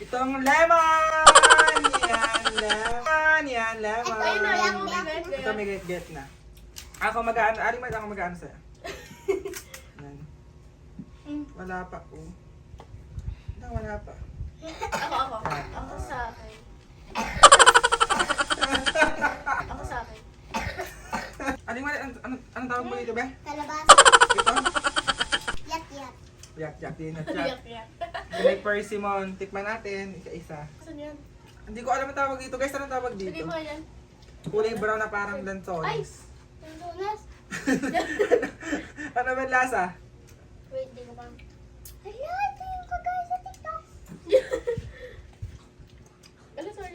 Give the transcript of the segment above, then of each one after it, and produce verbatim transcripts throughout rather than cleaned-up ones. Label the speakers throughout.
Speaker 1: Itong lemon! Yan, lemon! Yan, lemon!
Speaker 2: Ito yun na lang, get, get.
Speaker 1: Ito may get-get na. Ako mag-ano, aling mag ako mag-ano sa'yo. Yan. Wala pa, oh. Wala, wala pa.
Speaker 2: Ako, ako. Ako sa akin. Ako sa akin.
Speaker 1: Aling mag, ano, ano, anong tawag mo dito, be?
Speaker 3: Kalabasa.
Speaker 1: Ito?
Speaker 3: Yak yak.
Speaker 1: Yak, yak, din at
Speaker 2: Yak,
Speaker 1: yak.
Speaker 2: yak.
Speaker 1: May persimmon. Tikman natin, isa-isa.
Speaker 2: Saan yan?
Speaker 1: Hindi ko alam ang tawag dito. Guys, anong tawag
Speaker 2: Sige
Speaker 1: dito?
Speaker 2: mo yan.
Speaker 1: Kulay brown na parang
Speaker 2: Ay!
Speaker 1: lansones.
Speaker 3: Tuntunas.
Speaker 1: Ano ba yung lasa?
Speaker 3: Wait, di ko pa. Hala, ito yung kagaya sa TikTok.
Speaker 2: Ala, sorry.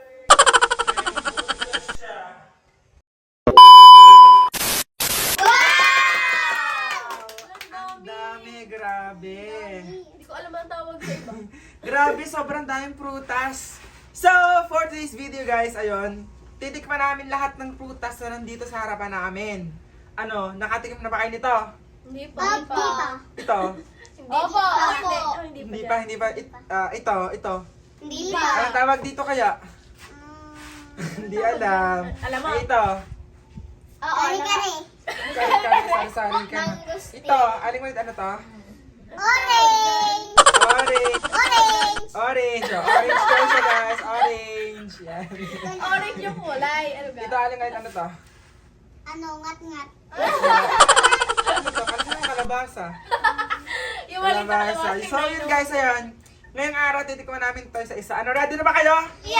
Speaker 1: Ang dami, grabe.
Speaker 2: Hindi ko alam ang tawag sa iba.
Speaker 1: Grabe, sobrang daming prutas. So, for today's video guys, ayun, titikman namin lahat ng prutas na nandito sa harapan namin. Ano, nakatikim na ba kayo nito?
Speaker 2: Hindi pa.
Speaker 3: Ah, di pa.
Speaker 1: Ito?
Speaker 2: Hindi
Speaker 3: Opo,
Speaker 2: pa. Ah,
Speaker 3: opo.
Speaker 2: hindi. Ah, hindi
Speaker 1: Hindi
Speaker 2: pa.
Speaker 1: pa, hindi pa. It, ah, ito, ito.
Speaker 3: Hindi
Speaker 1: Anong
Speaker 3: pa.
Speaker 1: tawag dito kaya? Hindi alam.
Speaker 2: Alam mo.
Speaker 1: Ay, ito.
Speaker 3: Oo, kare-kare.
Speaker 1: Kari-kari, sari-sari ka na.
Speaker 3: Mangosteen.
Speaker 1: Ito, aling ulit, ano to?
Speaker 3: Orange.
Speaker 1: Orange.
Speaker 3: Orange.
Speaker 1: Orange. Oh, orange daw siya guys. Orange. Yan.
Speaker 2: Orange yung kulay. Ano ba?
Speaker 1: Ito, aling ulit, ano to?
Speaker 3: Ano, ngat-ngat.
Speaker 1: Ano to? Ano yung kalabasa?
Speaker 2: Yung maliit na
Speaker 1: Kalabasa.
Speaker 2: kalabasa.
Speaker 1: So yun guys, ayan. Ngayong araw, titikman namin to isa-isa. Ano, ready na ba kayo?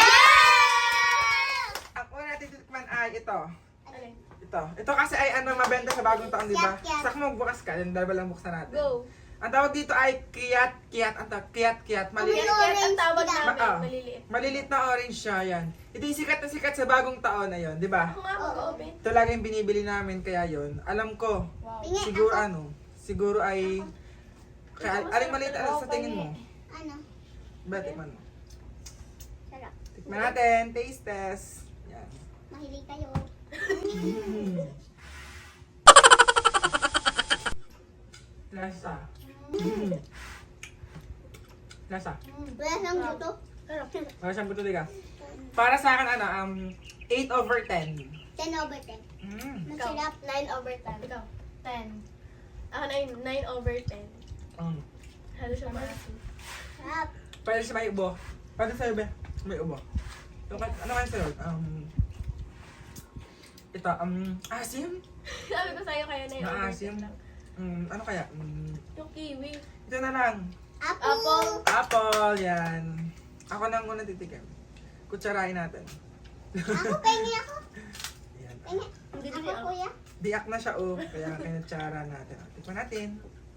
Speaker 3: Yeah!
Speaker 1: Ang una natin titikman ay ito.
Speaker 2: Alin?
Speaker 1: Ito. Ito kasi ay ano, mabenta sa bagong taon, di ba?
Speaker 3: Kiyat, kiyat.
Speaker 1: Sak mo, bukas ka. Yung dalawa lang buksan natin.
Speaker 2: Go.
Speaker 1: Ang tawag dito ay kiyat, kiyat. Ang tawag, kiyat, kiyat. Maliit.
Speaker 2: Kaya kaya ang tawag
Speaker 3: Orange,
Speaker 2: namin.
Speaker 1: ah.
Speaker 2: Maliliit.
Speaker 1: Malilit na orange siya, yan. Ito yung sikat na sikat sa bagong taon na yun, di ba?
Speaker 2: Ako nga mag-open.
Speaker 1: Ito lagi yung binibili namin, kaya yun. Alam ko,
Speaker 2: Wow.
Speaker 3: Tingin
Speaker 1: siguro
Speaker 3: ako.
Speaker 1: ano, siguro ay... Kaya, aling maliit ano sa tingin mo?
Speaker 3: Ano?
Speaker 1: Ba, tikman mo.
Speaker 3: Sarap.
Speaker 1: Tikman natin, taste test. Yan.
Speaker 3: Mahilig kayo.
Speaker 1: Lasa. Lasa.
Speaker 3: Wala siyang guto.
Speaker 2: Sarap.
Speaker 1: Wala siyang buto, diga. Para sa akin, ano, um, eight over ten.
Speaker 3: ten over ten.
Speaker 1: Mm.
Speaker 3: Masarap.
Speaker 2: nine over ten. Ikaw. ten. Ako nine. nine over ten.
Speaker 1: Mm.
Speaker 2: Halo siya maasim.
Speaker 3: Sarap.
Speaker 1: Pwede siya may ubo. Pwede sa'yo, be. May ubo. Yung, ka- ano kayo sa'yo? Um, ito, um, asim?
Speaker 2: Sabi ko sa'yo kaya na yung over
Speaker 1: Maasim?
Speaker 2: ten lang.
Speaker 1: Um, ano kaya? Um,
Speaker 2: Yung kiwi.
Speaker 1: ito na lang.
Speaker 3: Apple.
Speaker 2: Apple.
Speaker 1: Apple, yan. Ako nang muna titikim. Kutsarain natin.
Speaker 3: Ako, pengi ako.
Speaker 1: Yan.
Speaker 3: Pengi.
Speaker 2: Hindi
Speaker 3: Ako,
Speaker 2: din ako.
Speaker 3: kuya.
Speaker 1: Diak na siya, oh. Kaya kinutsara natin. Tikman natin.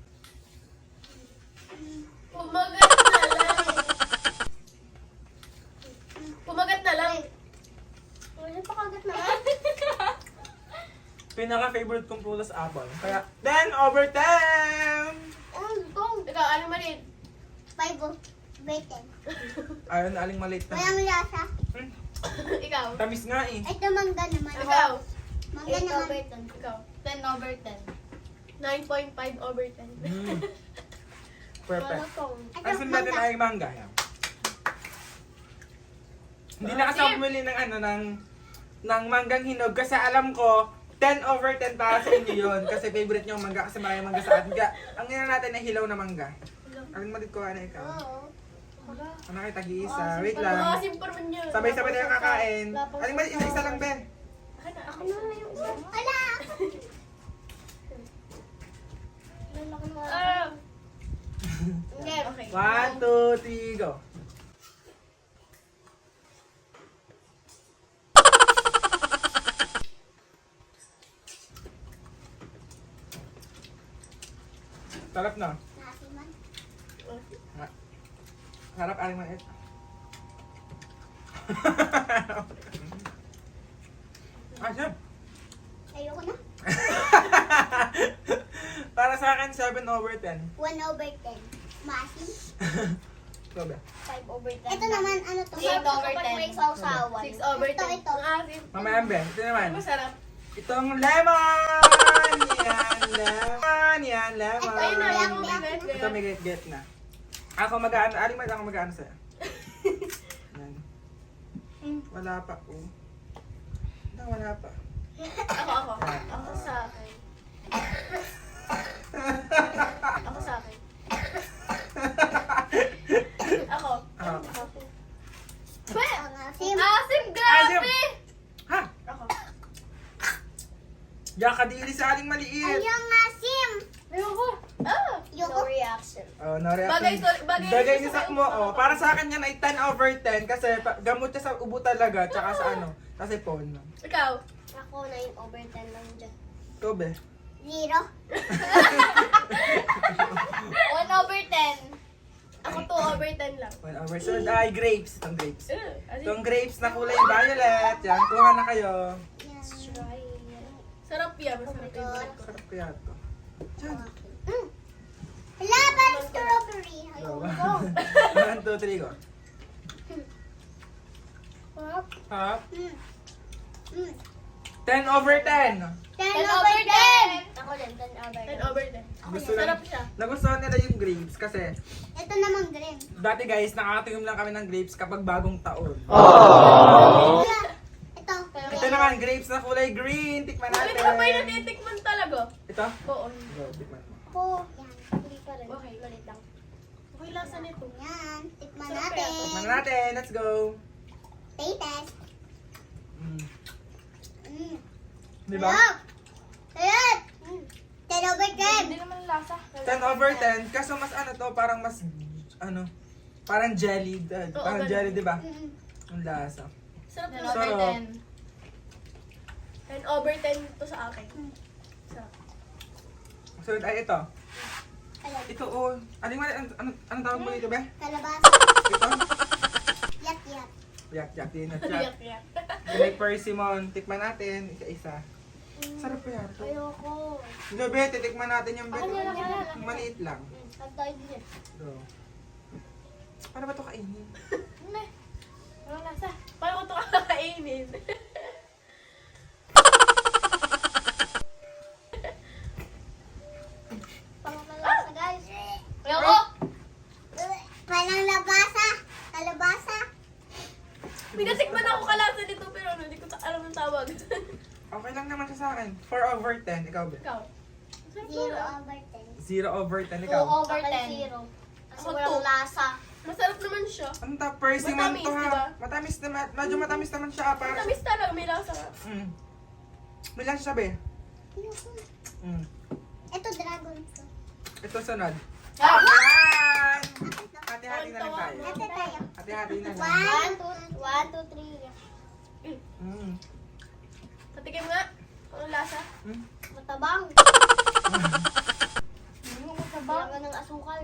Speaker 2: Pumagat na lang. Pumagat na lang.
Speaker 3: Wala pa kagat na lang.
Speaker 1: Pinaka-favorite kong prutas, apple. Kaya, ten over ten!
Speaker 3: Ang gong.
Speaker 2: Ikaw, ano man rin?
Speaker 3: five over ten.
Speaker 1: Ayun, aling maliit na.
Speaker 3: Walang lasa.
Speaker 1: Hmm,
Speaker 2: Ikaw.
Speaker 1: tamis nga eh.
Speaker 3: Ito mangga naman.
Speaker 2: Ikaw.
Speaker 3: Mangga naman.
Speaker 2: ten. Ikaw. ten over ten. nine point five over ten.
Speaker 1: Mm. Perfect.
Speaker 3: Ito,
Speaker 1: Ang sunod natin
Speaker 3: mangga.
Speaker 1: ay mangga. Yan. Hindi na kasi ako bumili ng ano, ng, ng manggang hinog kasi alam ko, ten over ten para sa inyo yun. Kasi favorite nyo ang mangga kasi marami mangga sa atin. Kaya, ang ina natin ay hilaw na mangga. Aling malit ko, ano ikaw?
Speaker 3: Oo.
Speaker 1: Ano kayo, tag-iisa? Wait lang.
Speaker 2: Maasim pa rin yun.
Speaker 1: Sabay-sabay na yung kakain.
Speaker 2: Lapos-
Speaker 1: Aling malit, isa-isa lang, be.
Speaker 2: Akin na,
Speaker 3: Ako
Speaker 2: akin
Speaker 3: na yung Ala! Lalaki mo.
Speaker 2: Ah. Hindi. Okay.
Speaker 1: One, two, three, go. Sarap na.
Speaker 3: Nasiman.
Speaker 1: Ha- Harap aling maliit. Asap.
Speaker 3: Ayoko na.
Speaker 1: Para sa akin, seven over ten.
Speaker 3: one over ten. Maasim.
Speaker 1: Ikaw ba?
Speaker 2: five over ten.
Speaker 3: Ito naman, ano to?
Speaker 2: eight over
Speaker 3: Kapag
Speaker 2: ten.
Speaker 3: may sausawan.
Speaker 2: six over
Speaker 3: Ito,
Speaker 2: ten.
Speaker 3: ito.
Speaker 2: Ang asim.
Speaker 1: Mamaya, be. Ito naman.
Speaker 2: Masarap.
Speaker 1: Itong lemon! Yan, lemon! Yan, lemon!
Speaker 3: Ito,
Speaker 2: Ayun na,
Speaker 3: Yak,
Speaker 2: yung
Speaker 3: yak.
Speaker 2: get,
Speaker 1: Ito may get-get na. Ako mag-ano, aling mag ako mag-ano sa'yo. Yan.
Speaker 2: Hmm.
Speaker 1: Wala pa, oh. Na, wala pa.
Speaker 2: Ako, ako. Ako sa akin. Ako sa akin. Ako.
Speaker 1: Ah.
Speaker 2: Ako.
Speaker 3: Ang asim.
Speaker 2: Asim, grabe!
Speaker 1: Ha?
Speaker 2: Ako.
Speaker 1: Diyan ka dili sa aling maliit.
Speaker 3: Ayong asim.
Speaker 2: Ayoko. Ah!
Speaker 3: Ayoko.
Speaker 2: No reaction.
Speaker 1: Oh, no reaction.
Speaker 2: Bagay, sorry, bagay
Speaker 1: Bagay
Speaker 2: sa
Speaker 1: ni Sak
Speaker 2: sa'yo.
Speaker 1: mo, oh. Para sa akin yan ay ten over ten kasi pa- gamot siya sa ubo talaga, tsaka sa ano, sa sipon.
Speaker 2: Ikaw.
Speaker 3: Ako nine over ten lang dyan.
Speaker 1: Ikaw, be?
Speaker 3: Zero.
Speaker 2: one over ten. Ako two over ten lang.
Speaker 1: one over ten. Ay, grapes. Itong grapes.
Speaker 2: Uh,
Speaker 1: Itong grapes na kulay violet. Yan, kuha na kayo.
Speaker 3: Yan.
Speaker 2: Sarap yan. Masarap yung favorite ko.
Speaker 1: Sarap kaya to. Diyan.
Speaker 3: Mm. Hala, parang strawberry.
Speaker 1: Go.
Speaker 3: Ayoko.
Speaker 1: One, two, three, go.
Speaker 3: Sarap.
Speaker 1: Ha?
Speaker 3: Mm. Mm.
Speaker 1: ten over ten.
Speaker 3: ten
Speaker 2: ten
Speaker 3: over
Speaker 2: over
Speaker 3: ten.
Speaker 2: ten.
Speaker 3: Ako din, ten over
Speaker 2: ten
Speaker 3: ten.
Speaker 2: over ten.
Speaker 1: Gusto
Speaker 2: Sarap
Speaker 1: lang,
Speaker 2: siya.
Speaker 1: nagustuhan nila yung grapes kasi
Speaker 3: Ito naman green.
Speaker 1: dati guys, nakakatingin lang kami ng grapes kapag bagong taon.
Speaker 3: Hala. Ito.
Speaker 1: Ito naman, grapes na kulay green. Tikman
Speaker 2: Ulit
Speaker 1: natin.
Speaker 2: ka pa yung natitikman talaga.
Speaker 1: Ito?
Speaker 2: Oo.
Speaker 1: Go, tikman mo.
Speaker 3: Ako. Yan. Hindi pa rin.
Speaker 2: Okay.
Speaker 3: Malit lang.
Speaker 2: Okay, lasa nito.
Speaker 3: Yan. Tikman
Speaker 2: Sarap
Speaker 3: natin.
Speaker 2: kaya
Speaker 1: Tikman natin. Let's go.
Speaker 3: Taste test.
Speaker 1: Mm.
Speaker 3: Mm.
Speaker 1: Di ba?
Speaker 3: Sarap. Sarap. Mm. ten over ten.
Speaker 2: Hindi naman lasa.
Speaker 1: ten over ten. Kaso mas ano to, parang mas, ano, parang jelly. uh,
Speaker 2: Oo,
Speaker 1: parang
Speaker 2: ganun.
Speaker 1: jelly, di ba?
Speaker 3: Mm.
Speaker 1: Ang lasa.
Speaker 2: Sarap
Speaker 4: ten
Speaker 2: na.
Speaker 4: over
Speaker 1: Sarap.
Speaker 4: ten.
Speaker 2: ten over ten to sa akin. Sarap.
Speaker 1: Sunod ay ito.
Speaker 3: Alam.
Speaker 1: Ito, oh. Aling mali, ano, ano, anong tawag mo dito, be?
Speaker 3: Kalabasa.
Speaker 1: Ito?
Speaker 3: Yak yak.
Speaker 1: Yak, yak, din at
Speaker 2: Yak,
Speaker 1: yak.
Speaker 2: yak.
Speaker 1: Like persimmon. Tikman natin, isa-isa. Sarap pa yan.
Speaker 3: Ayoko.
Speaker 1: Hindi, be, titikman natin yung bet.
Speaker 2: Ako na lang, ako na lang.
Speaker 1: Yung maliit lang.
Speaker 3: Ang tayo din.
Speaker 1: Go. Paano ba ito kainin?
Speaker 2: Hindi. Walang lasa. Paano ko ito kakakainin?
Speaker 3: Pangamalasa guys.
Speaker 2: Ayoko!
Speaker 3: Parang labasa. Kalabasa.
Speaker 2: Pinatikman ako kalasa nito pero ano, hindi ko ta- alam ng tawag.
Speaker 1: Okay lang naman siya sa akin. four over ten. Ikaw, be?
Speaker 2: Ikaw. Sarap
Speaker 3: Zero
Speaker 2: na.
Speaker 3: over ten.
Speaker 1: zero over ten.
Speaker 4: two
Speaker 1: Ikaw.
Speaker 4: over
Speaker 3: Ako
Speaker 4: ten.
Speaker 3: zero. Kasi
Speaker 2: Ako
Speaker 3: walang
Speaker 2: two.
Speaker 3: lasa.
Speaker 2: Masarap naman siya.
Speaker 1: Ano ta? Persimmon
Speaker 2: Matamis,
Speaker 1: to ha.
Speaker 2: diba?
Speaker 1: Matamis naman. Medyo matamis naman siya. ah, Parang,
Speaker 2: Matamis talaga, may lasa ka.
Speaker 1: mm. May lang siya, be.
Speaker 3: Ayoko.
Speaker 1: Mm.
Speaker 3: Ito dragon fruit.
Speaker 1: Ito sunod.
Speaker 4: Ah!
Speaker 1: Yan! Hati-hati na lang tayo.
Speaker 3: Ate tayo.
Speaker 1: Hati-hati na lang.
Speaker 3: One, two, one, two, three.
Speaker 1: Mm.
Speaker 2: Patikim nga. Ano lasa?
Speaker 1: Mm.
Speaker 3: Matabang.
Speaker 4: Hindi mo masabang.
Speaker 3: Kailangan ng asukal.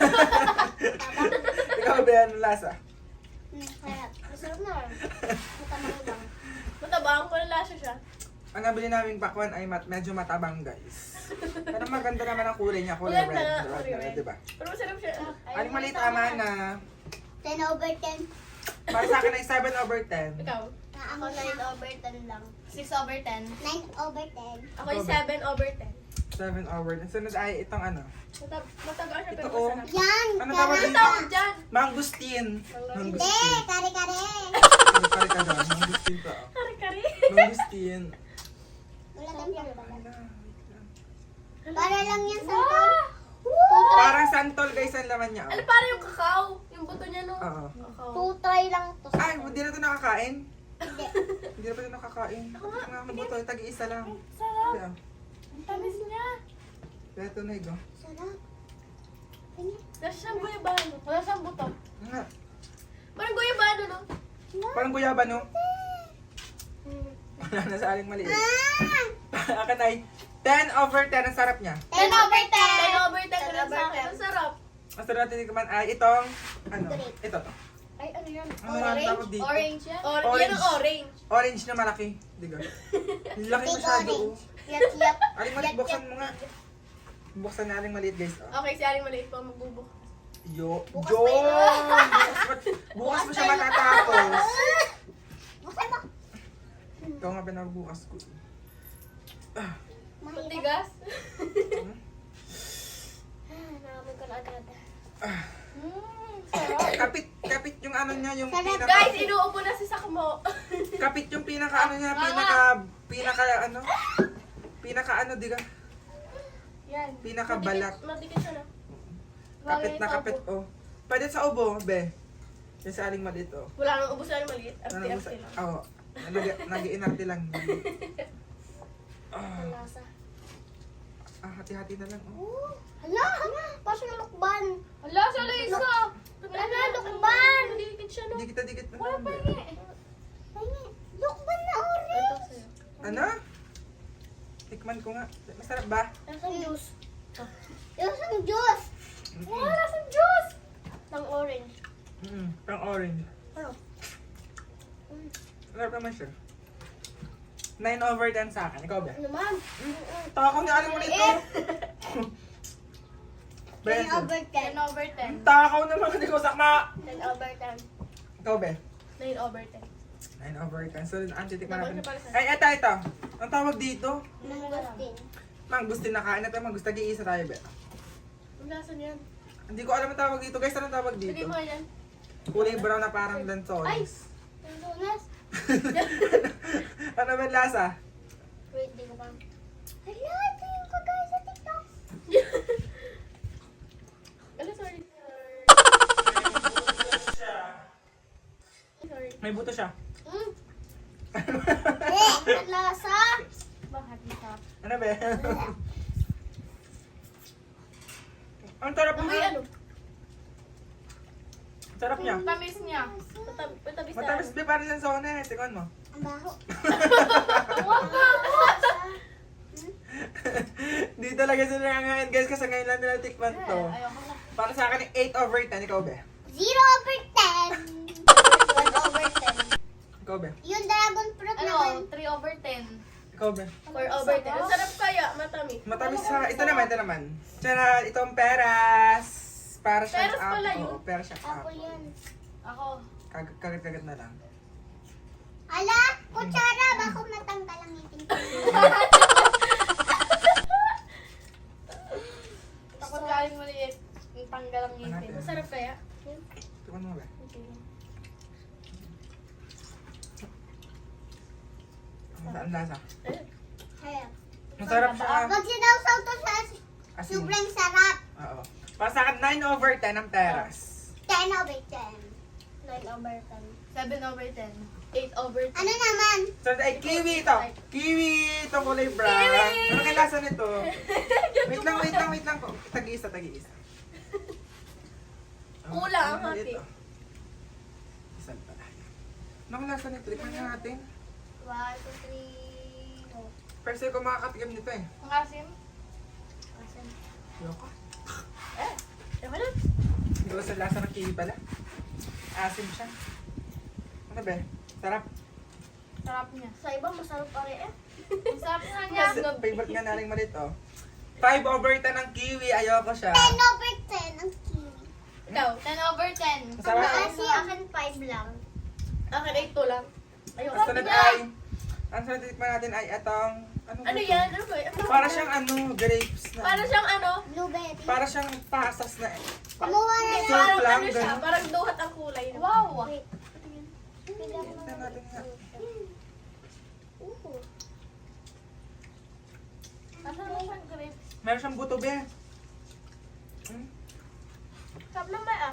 Speaker 1: Ikaw, be, ano lasa?
Speaker 3: Hmm, sarap. Masarap na. Matabang lang.
Speaker 2: Matabang, walang lasa siya.
Speaker 1: Ang nabili naming pakwan ay mat medyo matabang, guys. Pero maganda naman ang kulay niya. Kulay
Speaker 2: Maganda,
Speaker 1: red.
Speaker 2: kulay
Speaker 1: Red,
Speaker 2: red.
Speaker 1: diba?
Speaker 2: Pero masarap siya.
Speaker 1: Aling maliit ama na.
Speaker 3: ten over ten.
Speaker 1: Para sa akin ay seven over ten.
Speaker 2: Ikaw.
Speaker 3: Ako nine over ten lang.
Speaker 4: six over ten.
Speaker 3: nine over ten.
Speaker 2: Ako yung seven over ten.
Speaker 1: seven over ten. Sunod ay itong ano.
Speaker 2: Matab matagal siya
Speaker 1: Ito,
Speaker 2: pero
Speaker 1: oh.
Speaker 2: masarap.
Speaker 3: Yan.
Speaker 1: Ano
Speaker 3: tara.
Speaker 1: tawag
Speaker 2: Ano
Speaker 1: dito?
Speaker 2: tawag dyan?
Speaker 1: Mangustin.
Speaker 3: Hindi,
Speaker 1: Mangustin.
Speaker 3: kare-kare.
Speaker 1: Ano pare ka doon? Mangustin to. oh.
Speaker 2: Kari-kari.
Speaker 1: Mangustin.
Speaker 3: Wala kang pala.
Speaker 1: Ala,
Speaker 3: Para lang yan sa tol.
Speaker 1: Parang santol, guys, ang laman niya.
Speaker 2: Ano
Speaker 1: Oh.
Speaker 2: para yung kakao? Yung buto niya no?
Speaker 1: Oo.
Speaker 2: Kakao.
Speaker 3: Two try lang to.
Speaker 1: Ay, hindi na ito nakakain.
Speaker 3: Hindi.
Speaker 1: Hindi na pa ito nakakain. Ito nga mabuto, tagi-isa lang.
Speaker 2: Sarap.
Speaker 1: Kaya,
Speaker 2: Ang tamis niya.
Speaker 1: kaya ito na ito.
Speaker 3: Sarap. Ganyan.
Speaker 2: Nasa siyang guyabano. Wala siyang buto.
Speaker 1: Nga.
Speaker 2: Parang guyabano no?
Speaker 1: Parang guyaba, no? Wala na sa aling maliit.
Speaker 3: Ah!
Speaker 1: Akin ay ten over ten. Ang sarap niya.
Speaker 3: ten over ten.
Speaker 2: ten over ten ko lang
Speaker 3: ten
Speaker 2: sa
Speaker 3: over
Speaker 2: akin.
Speaker 3: ten.
Speaker 2: Ang sarap.
Speaker 1: Ang sarap natin tikman ay itong, ano,
Speaker 3: Grape.
Speaker 1: ito to.
Speaker 2: Ay, ano yan?
Speaker 1: Ano nga ang tawag dito?
Speaker 4: Orange yan.
Speaker 2: Or
Speaker 1: Orange.
Speaker 2: Yan ang orange.
Speaker 1: Orange na malaki. Diga. Laki
Speaker 3: Big
Speaker 1: masyado. oh.
Speaker 3: orange. Yat yat.
Speaker 1: Aling maliit, buksan mo nga. Buksan na aling maliit, guys. Oh.
Speaker 2: Okay, si Aling maliit pa magbubuk.
Speaker 1: Yo,
Speaker 3: Bukas
Speaker 1: Yo!
Speaker 3: pa yun.
Speaker 1: Bukas, pa- bukas mo siya matatapos.
Speaker 3: Buksan mo.
Speaker 1: Ikaw nga pinagbukas ko.
Speaker 3: Mahirap.
Speaker 2: Matigas.
Speaker 1: Hmm?
Speaker 3: Nakamoy ko na agad.
Speaker 2: Mmm, sarap.
Speaker 1: Kapit, kapit yung ano ano niya, yung
Speaker 3: Sarap.
Speaker 1: pinaka...
Speaker 2: Guys, inuupo na si Sakmo.
Speaker 1: Kapit yung pinaka ano niya, pinaka... Pinaka ano? Pinaka ano, di ka?
Speaker 2: Yan.
Speaker 1: Pinakabalat.
Speaker 2: Madikit, madikit siya na.
Speaker 1: Kapit
Speaker 2: Bagay
Speaker 1: na
Speaker 2: sa
Speaker 1: kapit,
Speaker 2: ubo.
Speaker 1: oh. Pwede sa ubo, be. Yung sa aling maliit, oh.
Speaker 2: Wala nang ubos na maliit.
Speaker 1: Ano
Speaker 2: Arte,
Speaker 1: mo sa...
Speaker 2: arte lang.
Speaker 1: Oo. Nag-iinarte lang. Ah,
Speaker 3: Ang lasa.
Speaker 1: ah, hati-hati na lang, oh.
Speaker 3: Oh, hala, hala. Pasok ng lukban.
Speaker 2: Ala, sa Lisa!
Speaker 3: Ala, lukban.
Speaker 2: Madikit siya, no?
Speaker 1: Dikit-dikit na
Speaker 2: Wala
Speaker 1: lang,
Speaker 2: pa
Speaker 1: be.
Speaker 2: nga eh.
Speaker 3: Ay, lukban na
Speaker 2: Ito
Speaker 3: orange.
Speaker 2: sa'yo.
Speaker 1: Ano? Tikman ko nga. Masarap ba?
Speaker 2: Lasang juice.
Speaker 3: Yung isang juice.
Speaker 2: Wala, lasang juice! Ng orange.
Speaker 1: Mm, pang orange.
Speaker 2: Ano?
Speaker 1: Sarap naman siya. nine over ten sa akin. Ikaw ba?
Speaker 2: Ano man?
Speaker 1: Taka ko niya, alam mo nito.
Speaker 3: ten
Speaker 1: Benson.
Speaker 3: over ten.
Speaker 2: ten over ten.
Speaker 1: Takaw naman, hindi ko sakma.
Speaker 2: ten over ten.
Speaker 1: Ikaw ba?
Speaker 2: nine over ten.
Speaker 1: nine over ten. So, ang titikman
Speaker 2: Dapat
Speaker 1: natin.
Speaker 2: siya pala sa-
Speaker 1: Ay, ito, ito. Ang tawag dito?
Speaker 3: Mangustin.
Speaker 1: Mangustin na kain natin. Mangustin, nag-iisa tayo, be.
Speaker 2: Ang lasa niyan.
Speaker 1: Hindi ko alam ang tawag dito. Guys, anong tawag
Speaker 2: Hindi
Speaker 1: dito?
Speaker 2: mo yan.
Speaker 1: Kulay brown na parang
Speaker 2: Ay!
Speaker 1: lansones.
Speaker 3: Ang lunas.
Speaker 1: Ano ba yung lasa?
Speaker 3: Wait, di ko pa. Hala, ito yung kagaya sa TikTok.
Speaker 2: Ala, sorry. Sorry.
Speaker 1: May buto siya.
Speaker 3: Mm. Eh, ang lasa.
Speaker 2: Bakit ito?
Speaker 1: Ano ba? Ang sarap
Speaker 2: Amoy
Speaker 1: niya.
Speaker 2: ano?
Speaker 1: Ang sarap niya.
Speaker 2: Tamis niya. Matab- Matamis na.
Speaker 1: Matamis ba parang lansones? Tingnan mo.
Speaker 3: Ang baho.
Speaker 1: Di talaga sila nangangain guys kasi ngayon lang nila tikman to.
Speaker 2: Ayoko na.
Speaker 1: Para sa akin, eight over ten. Ikaw ba?
Speaker 3: Zero over ten. one over ten.
Speaker 1: Ikaw ba?
Speaker 3: Yung dragon fruit naman.
Speaker 2: Ano? three over ten.
Speaker 1: Ikaw ba?
Speaker 2: four over ten. Ang sarap kaya, matamis.
Speaker 1: Matamis sa... Ito naman, ito naman. Tara, itong peras. Para siyang
Speaker 2: Peras pala
Speaker 1: apple.
Speaker 2: yun?
Speaker 1: Oo, peras siyang
Speaker 3: Apple
Speaker 1: apple.
Speaker 3: yan.
Speaker 2: Ako.
Speaker 1: Kag- Kagat-kagat na lang.
Speaker 3: Ala, kutsara. Bako matanggal ang ngipin ko.
Speaker 2: Takot galing maliit. Yung tanggal ang ngipin.
Speaker 1: Hanapin.
Speaker 2: Masarap kaya?
Speaker 1: Tikman mo ba?
Speaker 2: Okay.
Speaker 1: Ang ang lasa.
Speaker 2: Ayun.
Speaker 3: Kaya.
Speaker 1: Masarap siya.
Speaker 3: Pag sinawsaw to sa
Speaker 1: Asin.
Speaker 3: sobrang sarap.
Speaker 1: Oo. Para sa akin, nine over ten ang peras.
Speaker 3: ten over ten.
Speaker 2: nine over ten. seven over ten. eight over ten.
Speaker 3: Ano naman?
Speaker 1: So, ay, kiwi ito. Kiwi! Itong kulay brown.
Speaker 2: Kiwi!
Speaker 1: Ano kaya lasa nito? Wait lang, wait lang, wait lang. Tag-iisa, tag-iisa. Oh,
Speaker 2: Kulang ang
Speaker 1: ano
Speaker 2: hati.
Speaker 1: ito? Isan pala. Ano kaya lasa nito? Tikman nga natin.
Speaker 3: one, two, three, four.
Speaker 1: First time ko makakatikim nito eh.
Speaker 2: Ang asim?
Speaker 1: Yoko.
Speaker 2: Eh. Ayoko na.
Speaker 1: Hindi ko sa lasa ng kiwi pala. Asim siya. Ano ba? Sarap.
Speaker 2: Sarap niya.
Speaker 3: Sa iba, masarap pa rin eh.
Speaker 2: Ang sarap nga niya.
Speaker 1: Mas favorite nga naling malit oh. five over ten ang kiwi. Ayoko siya.
Speaker 3: ten over ten ang kiwi.
Speaker 2: Ikaw, ten over ten.
Speaker 1: Masarap.
Speaker 3: Kasi akin five lang.
Speaker 2: Akin eight to lang. Ayoko.
Speaker 1: Ang sunod ay, ang sunod titikman natin ay itong, ano, ba
Speaker 2: Ano
Speaker 1: ito?
Speaker 2: yan? Ano ba? Ano?
Speaker 1: Para siyang ano, grapes na.
Speaker 2: Para siyang ano?
Speaker 3: Blueberry.
Speaker 1: Para siyang pasas na eh.
Speaker 3: Kumuha na
Speaker 2: Hindi,
Speaker 3: lang.
Speaker 1: Surf
Speaker 2: parang
Speaker 1: lang,
Speaker 2: ano siya?
Speaker 1: ganun.
Speaker 2: Parang duhat ang kulay. Wow!
Speaker 3: Wait.
Speaker 1: Tignan natin nga.
Speaker 3: Ooh.
Speaker 2: Asan mo siyang grapes?
Speaker 1: Meron siyang buto be. Hmm?
Speaker 2: Sarap naman ah.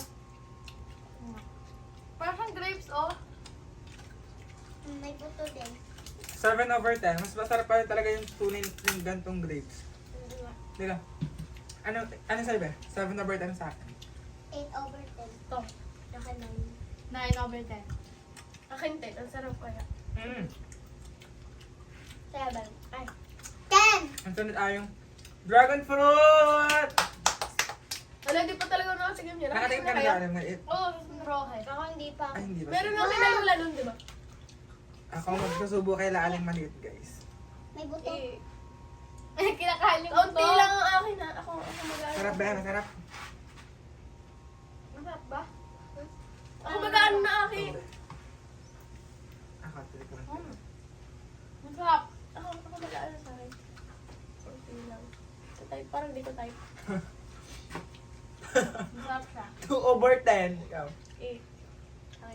Speaker 2: Parang siyang grapes oh.
Speaker 3: May buto din.
Speaker 1: seven over ten. Mas masarap pa rin talaga yung tunay yung gantong grapes. Di ba? Ano, ano sa'yo be? seven over ten sa akin.
Speaker 3: eight over ten.
Speaker 2: Ito.
Speaker 3: Akin nine.
Speaker 2: nine over ten. Akin ten. Ang sarap kaya.
Speaker 1: Mm.
Speaker 2: seven. Ay.
Speaker 3: ten!
Speaker 1: Ang sunod ay yung dragon fruit!
Speaker 2: Wala, di pa talaga nakatigam niya.
Speaker 1: Nakatingin ka na
Speaker 2: kaya?
Speaker 1: sa alam na it.
Speaker 2: Oo, sa rohe. Ako hindi pa.
Speaker 1: Ay, hindi ba?
Speaker 2: Meron na kinalula nun, di ba?
Speaker 1: Ako magkasubo kay Laaling maliit guys.
Speaker 3: May buto.
Speaker 2: Eh. Kinakain ko to. lang ang akin ha. Ako, ako mag-ano.
Speaker 1: Sarap ba? Masarap.
Speaker 2: Masarap ba? Ako mag-ano na akin.
Speaker 1: Ako, titikman.
Speaker 2: Hmm. Masarap. Ako, ako mag-ano sa akin. Kunti lang. Sa type, parang di ko type. Masarap siya.
Speaker 1: two over ten. Ikaw.
Speaker 2: eight. Ay.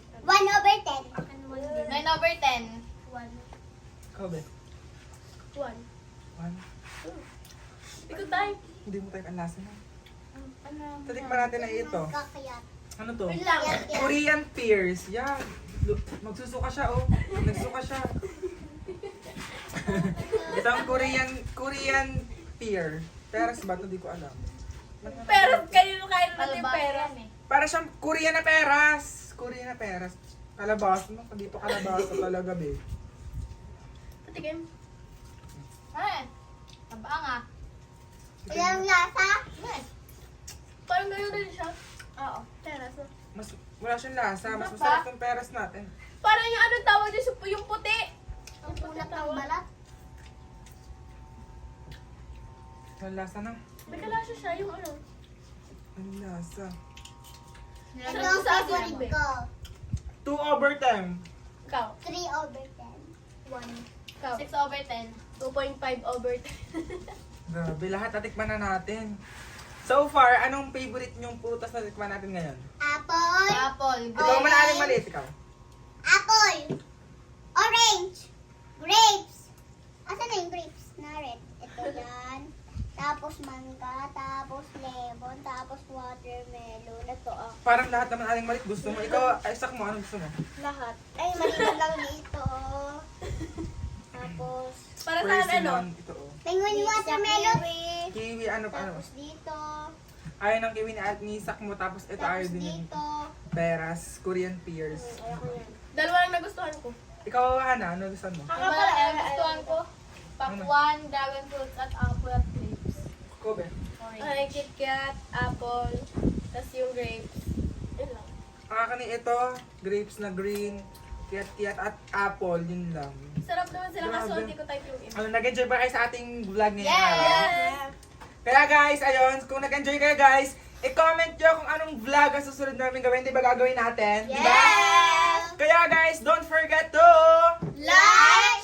Speaker 4: October ten.
Speaker 2: One.
Speaker 1: Ikaw, be.
Speaker 2: One.
Speaker 1: One.
Speaker 2: Ikaw tayo.
Speaker 1: Hindi mo tayo ang lasa na.
Speaker 2: Ano?
Speaker 1: Tatikman natin na ito.
Speaker 3: Kakayat.
Speaker 1: Ano to?
Speaker 2: Wait lang.
Speaker 3: Yan, yan.
Speaker 1: Korean pears. Yan. Lu- Magsusuka siya, oh. Nagsuka siya. Ito ang Korean, Korean pear. Peras ba? Ito di ko alam.
Speaker 2: Pero kayo kayo natin
Speaker 4: Kalabasa
Speaker 2: pera.
Speaker 4: yan eh.
Speaker 1: Para siyang Korean na peras. Korean na peras. Kalabas mo. Hindi pa kalabasa talaga, be.
Speaker 2: Patikim.
Speaker 4: Eh, tabang ah.
Speaker 3: Ilang lasa?
Speaker 4: Eh,
Speaker 2: Parang ganyan din siya. Oo. Teras.
Speaker 1: Mas, wala siyang lasa. Mas
Speaker 2: Ano
Speaker 1: masarap
Speaker 2: ba?
Speaker 1: yung peras natin.
Speaker 2: Parang yung anong tawag din sa yung puti.
Speaker 3: Ang punat ng balat.
Speaker 1: Walang lasa na.
Speaker 2: May kalasa siya yung ano.
Speaker 1: Walang lasa.
Speaker 3: Ito
Speaker 4: nilagyan
Speaker 3: ang
Speaker 4: ko sa akin.
Speaker 3: favorite ko.
Speaker 1: Two over ten.
Speaker 2: Ikaw.
Speaker 3: three over ten.
Speaker 2: One. Ikaw.
Speaker 4: six over ten.
Speaker 2: two point five over ten.
Speaker 1: Grabe, lahat natikman na natin. So far, anong favorite niyong putas na tikman natin ngayon?
Speaker 3: Apple.
Speaker 4: Apple.
Speaker 1: Ikaw
Speaker 3: Orange.
Speaker 1: man aling maliit, ikaw.
Speaker 3: Apple. Orange. Grapes. Asan na yung grapes? Na red. Ito yan. Tapos mangga. Tapos lemon. Tapos watermelon. Ito ah.
Speaker 1: Parang lahat naman aling maliit gusto mo. Ikaw, ay, sak mo, anong gusto mo?
Speaker 2: Lahat.
Speaker 3: Ay, maliit lang dito. Tapos,
Speaker 2: Para saan ano?
Speaker 1: Persimmon, ito oh.
Speaker 3: penguin watermelon.
Speaker 1: Kiwi, ano pa, ano?
Speaker 3: Tapos dito.
Speaker 1: Ayaw ng kiwi ni At ni sak mo, tapos ito ayaw
Speaker 3: Tapos
Speaker 1: din yung
Speaker 3: dito.
Speaker 1: peras, Korean pears.
Speaker 3: Ayoko yan.
Speaker 2: Dalawa lang nagustuhan ko.
Speaker 1: Ikaw, Hana, ano gusto mo?
Speaker 4: Ang mga eh, gustuhan ko. Pakwan, dragon fruits, at apple at grapes.
Speaker 1: Kobe.
Speaker 4: Orange.
Speaker 2: Ay, KitKat, apple, tas yung grapes. Yun lang.
Speaker 1: Ang akin ito, grapes na green, kiyat-kiyat at apple, yun lang.
Speaker 2: Sarap naman sila kaso
Speaker 1: Grabe.
Speaker 2: hindi ko type yung iba.
Speaker 1: Ano, nag-enjoy ba kayo sa ating vlog ngayong
Speaker 4: Yes!
Speaker 1: araw?
Speaker 2: Yes!
Speaker 1: Kaya guys, ayun, kung nag-enjoy kayo guys, i-comment nyo kung anong vlog ang susunod namin gawin, di ba gagawin natin? Di ba?
Speaker 3: Yes!
Speaker 1: Kaya guys, don't forget to...
Speaker 3: Like,